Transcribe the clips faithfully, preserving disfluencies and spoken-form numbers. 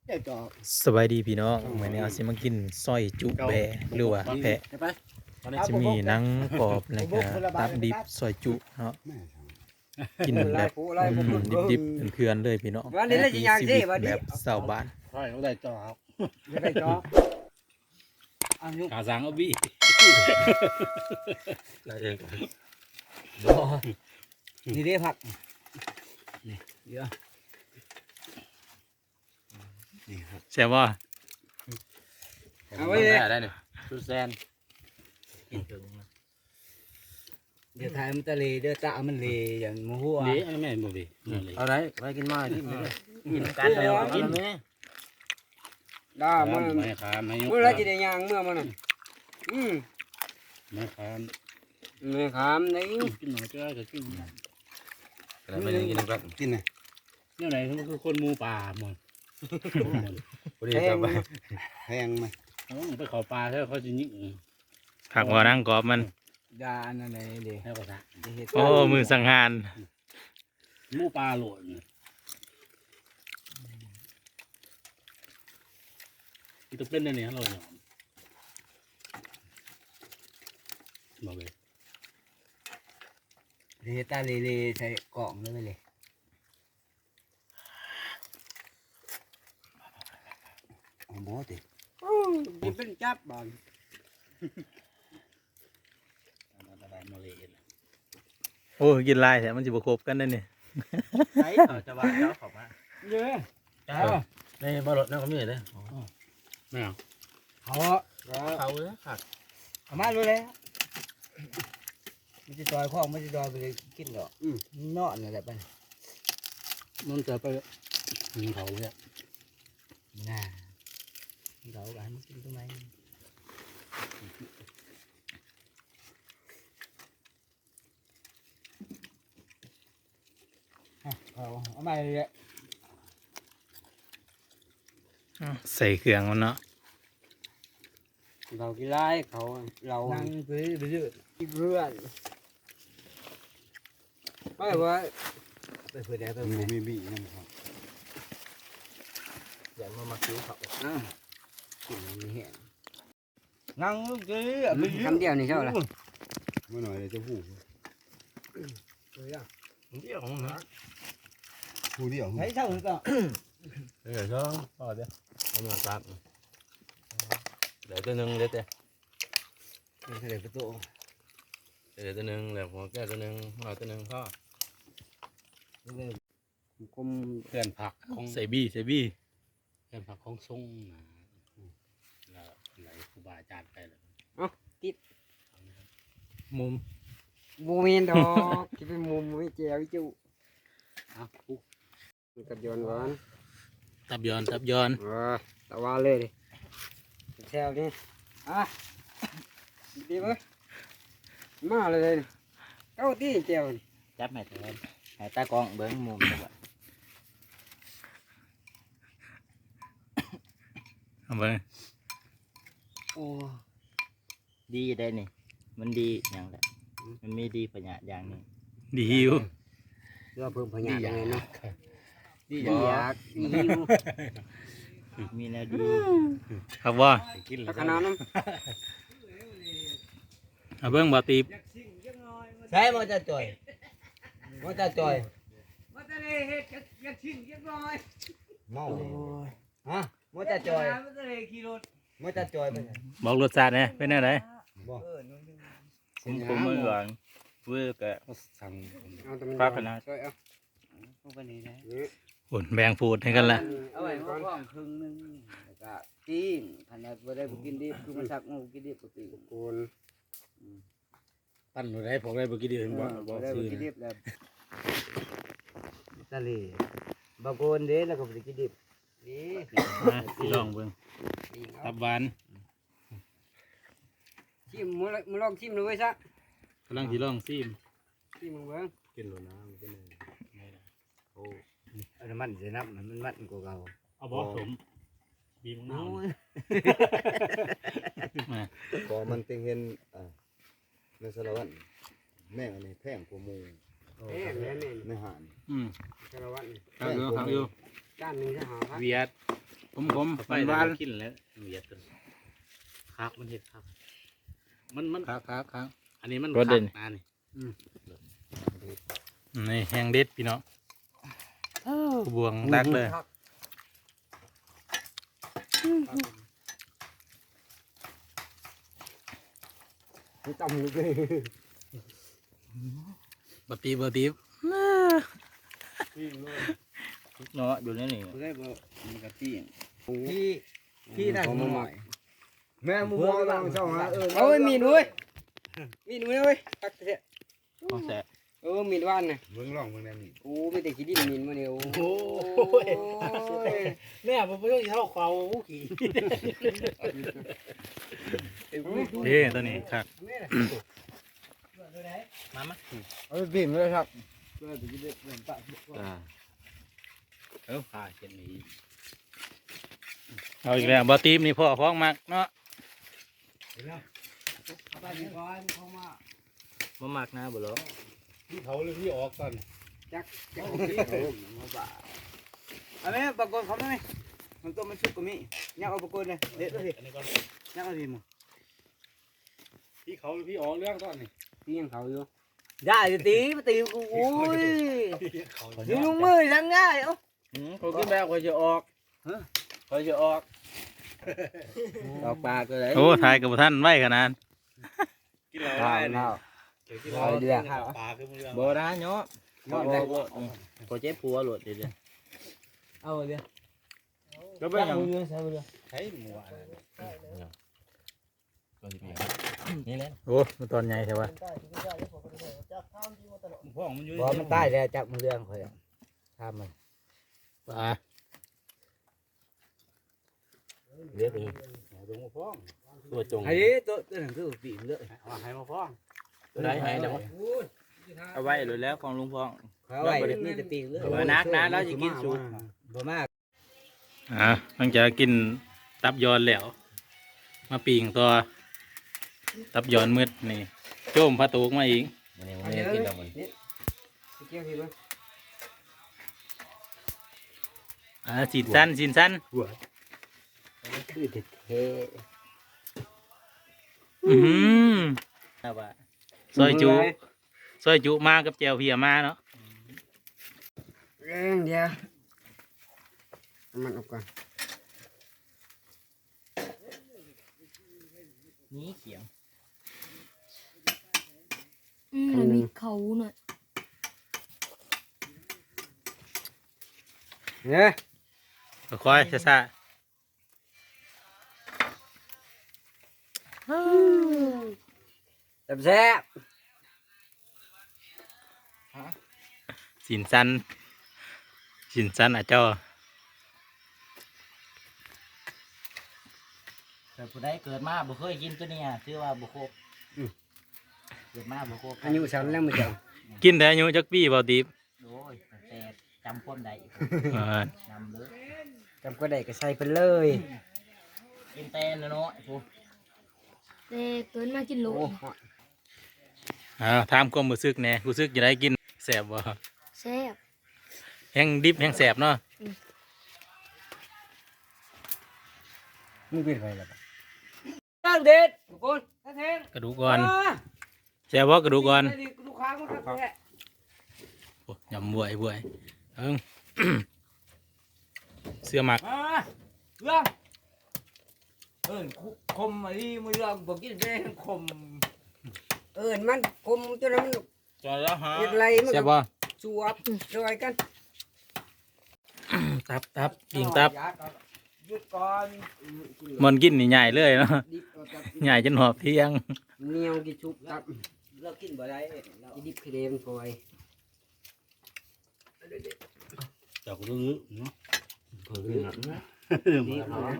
สบายดีพี่น้องมื้อนี้เอาสิมากินซอยจุแบะหรือว่าแพะจะมีหนังกรอบแล้วก็ตับดิบซอยจุเนาะกินแบบอืมดิบๆเพื่อนๆเลยพี่น้องมีชีวิตแบบชาวบ้านใช่เขาได้จอครับได้จอขาสังเอาบี้ได้เองนี่ได้ผักนี่เยอะนี่ครับใช่บ่เอาไว้เลยได้เนี่ยซูแซนเดี๋ยวถ่ายมันตะเลเดี๋ยวตามันเลอย่างมัวหัวนี่ไม่หมดดิเอาไรไปกินมาที่นี่เลยกินกันเลยกินได้มันไม่ขาไม่ยกเมื่อไรจะได้ยางเมื่อมันอืมไม่ขาไม่ขามนี่กินหน่อยก็ได้กินอะไรไม่ได้กินนะครับกินนะเนี่ยไหนเขาคือคนมูป่าหมดพอดีจะไปแพงไหมไปขอปลาแล้วเขาจะยิงผักว่าหนังกรอบมันดาอันนั้นเลยให้ภาษาโอ้มือสังหารมูปลาโหลดอีตัวเป็นเนี่ยเราเนี่ยบอกเลยเดี๋ยวตาเลเลใส่กล่องเลยไปเลยโอ้โหติมันเป็นจับบ้านอะไรมาเลยโอ้กินลายแต่มันสิบ่ครบกันได้นี่ใช่จะว่าเจ้าขอบมาเยอะเจ้าในบอลนั่นเขามีอะไรไม่เอาเขาเขาเลยขาดเอามาเลยเลยมันจะดอยข้องมันจะดอยไปเลยกินหรอกนอนอะไรไปมันจะไปยิงเขาเนี่ยน่าเรากันกินตรงไหนเอาเอามาเลยใส่เครื่องมันเนาะเรากี่ไล่เขาเรานั่งไปเรื่อยๆเพื่อนไม่ว่าไปเพื่อนได้ไปมีเพื่อนมีบีนั่นครับอย่ามามาคิ้วเขาอ่ะกินนี่แห้งนั่งลูกจีคำเดียวนี่เท่าไหร่เมื่อหน่อยเลยจะหูเฮ้ยอ่ะเดี่ยวนะหูเดี่ยวไหนเท่าหรือเปล่าเดี๋ยวช่องต่อเดี๋ยวทำงานครับเดี๋ยวตัวนึงเดี๋ยวเดี๋ยวเฉลยประตูเดี๋ยวตัวนึงเดี๋ยวหัวแก้ตัวนึงหัวตัวนึงพ่อคุมเพื่อนผักของใส่บี้ใส่บี้เพื่อนผักของส่งนะแล้วไหลครูบาอาจารย์ไปเลยมุมมูมินดอกที่เป็นมุมไม่เจียวจู่อ้าวปุ๊บกับยอนหวานตับยอนตับยอนอ่าตะวันเลยดิแซวนี่อ่ะดีมั้ยมาเลยเก้าตีเจียวจับแม่ตัวให้ตากล้องเบิ้งมุมจังหวะเอาเบิ่งโอ้ดีได้นี่มันดีอย่างไรมันมีดีปัญญาอย่างนึงดีหิวเพื่อเพิ่มพยานเลยเนาะดีดีอยากดีหิวมีแนวดีครับว่ากินเลแล้ยวขนาดนั้นเอาเบิ่งบ่ตีบใช่มาจะจ่อยมาจะจ่อยมาทะเลเฮ็ดอยากชิมเรียบร้อยเมาฮะมาจะจ่อยมาทะเลขี่รถมาจะจ่อยไปบอกรสชาติแหน่เป็นแนวไหนบอกผมผมเมื่อก่อนเวอร์กะสั่งเอาแต่มันปลาขนาดช่วยเอาเอาไปนี่นะอุ่นแบ่งฟูดให้กันละเอาไว้ห้องครึ่งนึงแล้วก็กินขนาดบ่ได้บ่กินดิบคือมันสักมาบ่กินดิบปกติโกนปั้นอะไรผมได้เมื่อกี้ดีเห็นบ่บ่บ่ได้บ่ซื้อกินดิบแล้วทะเลบางคนเด้แล้วก็บ่ได้กินดิบนี่มาลองเบิ่งตับหวานชิมมื้อมื้อลองชิมดูไว้ซะกำลังสิลองซิมชิมมึงเบิ่งกินหรอนะมันเป็นโอ้อันนั้นมันสินับมันมันกว่าเก่าเอาบ่สมบีมะนาวมาพอมันเต็งเห็นอ่าในสารวัตรแม่อันนี้แพงกว่ามูเอ๊ะแม่นี่ในหานอืมสารวัตรนี่ทางอยู่ทางอยู่จานหนึงจะหาพักเวียดผมผมไปแล้วกินแล้วเหยียดกันคักมันเห็ดครับมันมันครับครับครับอันนี้มันรสเด่นคักนะนี่นี่แห้งเด็ดพี่น้องบวงตักเลยไม่ต้องเลยบตีบตีบเนาะอยู่ในนี่บ่ได้บ่มันก็ตีนพี่พี่ได้หน่อยแม่มึงพวมอก งเราเราช่ช่ออง งหาฮะเอเอออเอ้ยมีดเว้ยมีดเว้ยเว้ยตักเถอะของแสบเออมีดว่านน่ะเบิ่งลองเบิ่งแน่นี่โอ้ไม่แต่ขี้ดินมีดมาเนี่ยโอ้โหแม่ผมไม่ต้องเท่าเขาขี่เด้ตัวนี้ครับมามาเออบิ่มเลยครับเพื่อจะได้เริ่มปะอ่าเออผ่าเช่นนี้เอาอีกแล้วบตีบนี่พ่อพ้องมากเนาะเอาไปก่อนเข้ามาบ่มากนะบ่หรอพี่เขาเลยพี่ออกก่อนจักจักพี่เขามาบ่าเอาไหมปรากฏเขาได้ไหมมันตัวมันชุกกว่ามียักเอาปรากฏเลยเด็ดเลยอันนี้ก่อนยักเอาทีมึงพี่เขาพี่ออกเรื่องก่อนนี่ตียังเขาอยู่ได้จะตีมาตีกูโอ้ยเขายืนมือทั้งง่ายเอ้าเขาขึ้นแบบเขาจะออกเขาจะออกออกปากเลยโอ้ทายกับท่านไว้ขนาดกินเราข้าได้วนี่ข้าวกินเราได้ปลาขึ้นเรื่องโบราณเนาะหมดเลยพอเจ็บปัวหลุดเลยเอาเลยก็เป็นอย่างใช้หมูอะไรนี่แหละโอ้มันตอนใหญ่ใช่ปะพ่อมันอยู่บอมันใต้แล้วจับมันเรื่องเขาอ่ะทำมันปลาเรียบเลยลงมาฟ้องตัวจงไอ้ตัวตัวหนังคือปีนเลยเอาให้มาฟ้องได้ให้เดี๋ยวเอาไว้หรือแล้วของลุงพองเขาไว้นี่จะปีนเลยเอานักนะเราจะกินสูตรบ่มากอ่ะหลังจากกินตับยอนแล้ว มาปีงตัวตับยอนมืดนี่โจมพระตูกมาอีกมันยังไม่ได้กินแล้วมันเกี่ยวพี่มั้ยอ่าสินสั้นสินสั้นคือเด็ดเท่อือหือเอาว่าซอยจุซอยจุมากับแจวเพียมาเนาะเรื่องเดียวมันออกก่อนนี้เขียงอืมมันมีเขาหน่อยเนี่ยค่อยๆช้าแซ่บๆสินสั้นสินสั้นอ่ะเจ้าแต่ผู้ใดเกิดมาบ่เคยกินตัวนี้ถือว่าบ่ครบเกิดมาบ่ครบอายุสันแล้วมึงจังกินแต่อายุจักปีเบาตีบโอ้ยตั้งแต่จำความได้เออนำเลยจำก็ได้ก็ใส่ไปเลยกินแต่น้อยๆผู้แต่เกินมากินโหลโอ้อ้าวถามความรู้สึกแหน่รู้สึกจะได้กินแสบบ่แซ่บแห้งดิบแห้งแสบเนาะมึงเป็นไรล่ะตั้งเด็ดทุกคนแท้งกระดูกก่อนแสบบ่กระดูกก่อนลูกค้ามันครับแท้โอ้ยำบวยบวยเอิง เสื้อหมักมาเรื่องเอิ้นคมไอ้มือเรื่องบ่กินได้คมเอิ้นมันคมจนมันจอแล้วฮะเฮ็ดไรมันแสบก็บ่สวบช่วยกันตับตับปิงตับหยุดก่อนมันกินนี่ใหญ่เลยเนาะดิบเอาตับใหญ่จนหอบเที่ยงเหนียวกี่ชุบตับเรากินบ่ได้เราอีดิบคือเดมปล่อยจับลื้อเนาะเพิ่นนะนี่เนาะ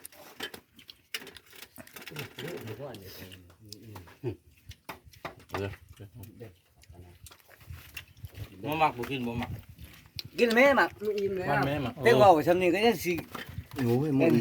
บ่มักบ่กินบ่มักกินแม่หมักมันอิ่มแล้วมันแม่มักแต่ว่าสำนี้ก็ยังสิโอ้ยมัน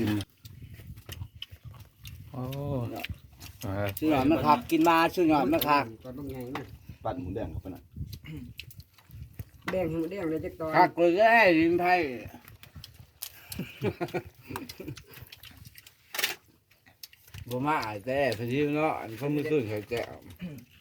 โอ้เออชื่อหน่อยมาคักกินมาชื่อหน่อยมาคักตอนต้องใหญ่มากปั่นหมูแดงเข้าไปน่ะแดงให้มันแดงเลยจักตอนคักเลยก็ให้ริมไทยบ่มาแต่พอดีเนาะอันเขามือขึ้นเขาแจ้ว